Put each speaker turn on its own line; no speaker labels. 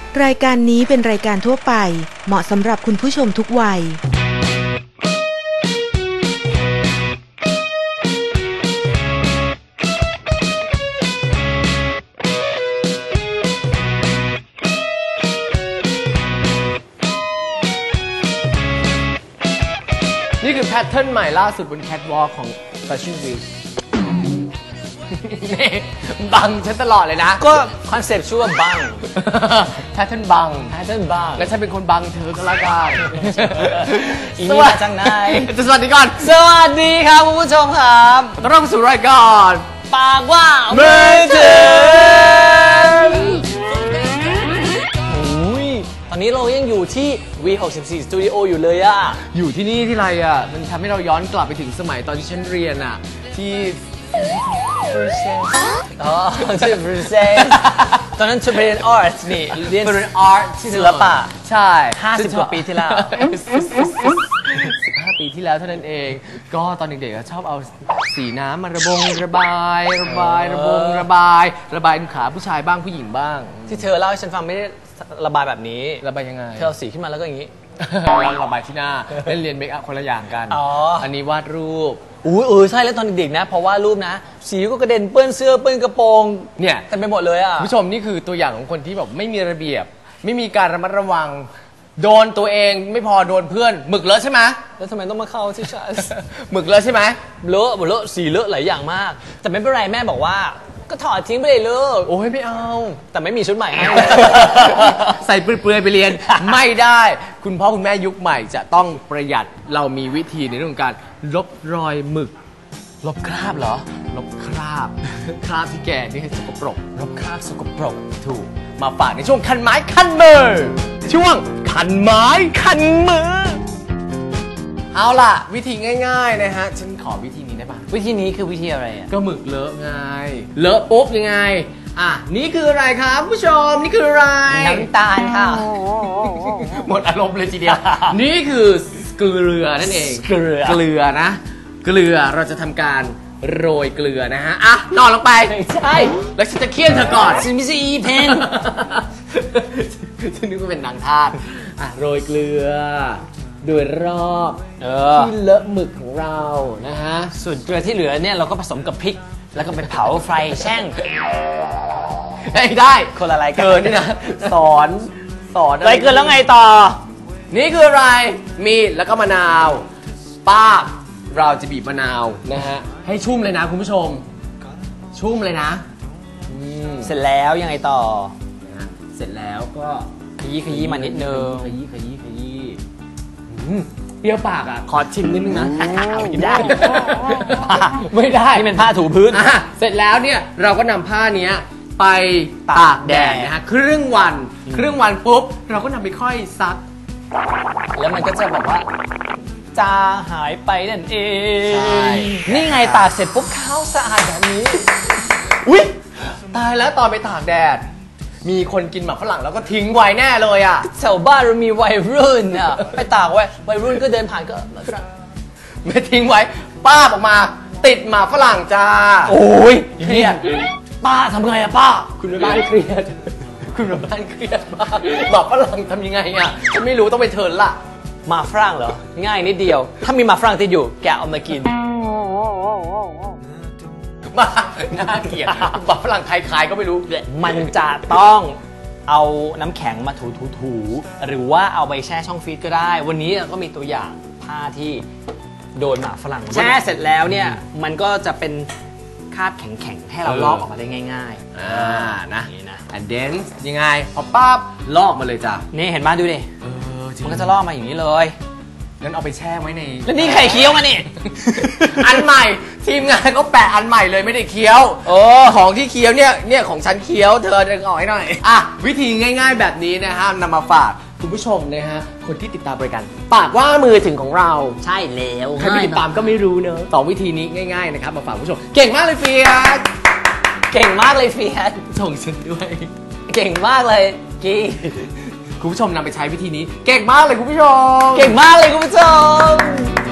รายการนี้เป็นรายการทั่วไปเหมาะสำหรับคุณผู้ชมทุกวัย
นี่คือแพทเทิร์นใหม่ล่าสุดบนแคทวอล์กของ Fashion Week นี่บังฉันตลอดเลยนะ
ก็คอนเซ็ปต์ชื่อว่าบัง
แพทเทิร์นบังและฉันเป็นคนบังเธอก็แล้วกัน
อีนี่มาจากไหน
จะสวัสดีก่อน
สวัสดีครับคุณผู้ชมครับ
ต้อนรับสู่รายการ
ปากว่ามือถือตอนนี้เรายังอยู่ที่ V64 Studio อยู่เลยอะ
อยู่ที่นี่ที่ไรอะมันทำให้เราย้อนกลับไปถึงสมัยตอนที่ฉันเรียนอะที่
ที่บรูเซลตอนนั้นฉันเรียนอาร์ตนี่เรียนอาร์ตศิลปะ
ใช่
50 กว่าปีที่แล้ว
15 ปีที่แล้วเท่านั้นเองก็ตอนเด็กๆชอบเอาสีน้ำมาระบายขาผู้ชายบ้างผู้หญิงบ้าง
ที่เธอเล่าให้ฉันฟังไม่ได้ระบายแบบนี้
ระบายยังไง
เธอเอาสีขึ้นมาแล้วก็อย่างนี้
ระบายที่หน้าเรียนเมคอัพคนละอย่างกันอันนี้วาดรูป
ใช่แล้วตอนเด็กๆนะพอวาดรูปนะสีก็กระเด็นเปื้อนเสื้อเปื้อนกระโปรง
เนี่ย
เต็มไปหมดเลยอ่ะ
ผู้ชมนี่คือตัวอย่างของคนที่แบบไม่มีระเบียบไม่มีการระมัดระวังโดนตัวเองไม่พอโดนเพื่อนหมึกเลอะใช่ไหม
แล้วทำไมต้องมาเข้าที่ฉัน
หมึกเลอะใช่ไหม
เลอะสีเลอะหลายอย่างมากแต่ไม่เป็นไรแม่บอกว่าก็ถอดทิ้งไปเลยลูก
โอ้ยไม่เอา
แต่ไม่มีชุดใหม่ให้
ใส่เปลือยไปเรียนไม่ได้คุณพ่อคุณแม่ยุคใหม่จะต้องประหยัดเรามีวิธีในเรื่องการลบรอยหมึก
ลบคราบเหรอ
ลบคราบที่แกนี่ให้สกปรก
ลบคราบสกปรก
ถูกมาฝากในช่วงคันไม้คันมือช่วงคันไม้คันมือเอาล่ะวิธีง่ายๆนะฮะฉันขอวิธีนี้ได้ป่ะ
วิธีนี้คือวิธีอะไรอ่ะ
ก็หมึกเลอะไงเลอะปุ๊บยังไงนี่คืออะไรครับผู้ชมนี่คืออะไร
น้ำตาลค่ะ
หมดอารมณ์เลยทีเดียวนี่คือเกลือนั่นเองเกลือนะเกลือเราจะทำการโรยเกลือนะฮะนอนลงไป
ใช่
แล้วฉันจะเคี่ยนเธอก่อน
ฉันไม่ใช่อีเพน
ฉันนึกว่าเป็นนางทาสโรยเกลือโดยรอบที่เลอะหมึกของเรานะฮะ
ส่วนเกลือที่เหลือเนี่ยเราก็ผสมกับพริกแล้วก็ไปเผาไฟแช่ง
ได้
คนอะไรกัน
เกินนี่นะสอน
อะไรเกินแล้วไงต่อ
นี่คืออะไรมีดแล้วก็มะนาวป้าเราจะบีบมะนาวนะฮะให้ชุ่มเลยนะคุณผู้ชมชุ่มเลยนะ
เสร็จแล้วยังไงต่อ
เสร็จแล้วก็
ขยี้มานิดนึง
ขยี้เปรี้ยวปากขอชิมนิดนึงนะ
ไม่ได้
นี่
เป็นผ้าถูพื้น
เสร็จแล้วเนี่ยเราก็นำผ้านี้ไปตากแดดนะฮะครึ่งวันปุ๊บเราก็นำไปค่อยซัก
แล้วมันก็จะแบบว่าจาหายไปนั่นเองนี่ไงตากเสร็จปุ๊บขาวสะอาดแบบนี้
อุ๊ยตายแล้วตอนไปตากแดดมีคนกินหมากฝรั่งแล้วก็ทิ้งไว้แน่เลย
แถวบ้านเรามีวัยรุ่นไปตากไว้วัยรุ่นก็เดินผ่านก็
ไม่ทิ้งไว้ป้าออกมาติดหมากฝรั่งจ้า
โอ้ยเครียดป้าทำไงป้า
คุณแม่บ้านเครียดป้าหมากฝรั่งทำยังไงฉันไม่รู้ต้องไปเทิร์นละ
หมากฝรั่งเหรอง่ายนิดเดียวถ้ามีหมากฝรั่งติดอยู่แกเอามากิน
น่าเกลียดหมากฝรั่งใครขายก็ไม่รู้
มันจะต้องเอาน้ำแข็งมาถูหรือว่าเอาไปแช่ช่องฟรีซก็ได้วันนี้ก็มีตัวอย่างผ้าที่โดนหมากฝรั่งแช่เสร็จแล้วเนี่ยมันก็จะเป็นคราบแข็งๆให้เราลอกออกมาได้ง่าย
ๆนะand then ยังไงพอปั๊บลอกมาเลยจ้ะ
นี่เห็นมาดูดิมันก็จะลอกมาอย่างนี้เลย
งั้นเอาไปแช่ไว้ใน
แล้วนี่ใครเคี้ยวมานี่
อันใหม่ทีมงานก็แปะอันใหม่เลยไม่ได้เคี้ยวของที่เคี้ยวเนี่ยของฉันเคี้ยวเธอดึงออกให้หน่อยวิธีง่ายๆแบบนี้นะฮะนำมาฝากคุณผู้ชมนะฮะคนที่ติดตามรายการปากว่ามือถึงของเรา
ใช่แล้ว
ใครไม่ติดตามก็ไม่รู้เนอะ2วิธีนี้ง่ายๆนะครับมาฝากคุณผู้ชมเก่งมากเลยเฟียส
เก่งมากเลยเฟียส
ส่งฉันด้วย
เก่งมากเลยกี้
คุณผู้ชมนำไปใช้วิธีนี้เก่งมากเลยคุณผู้ชม
เก่งมากเลยคุณผู้ชม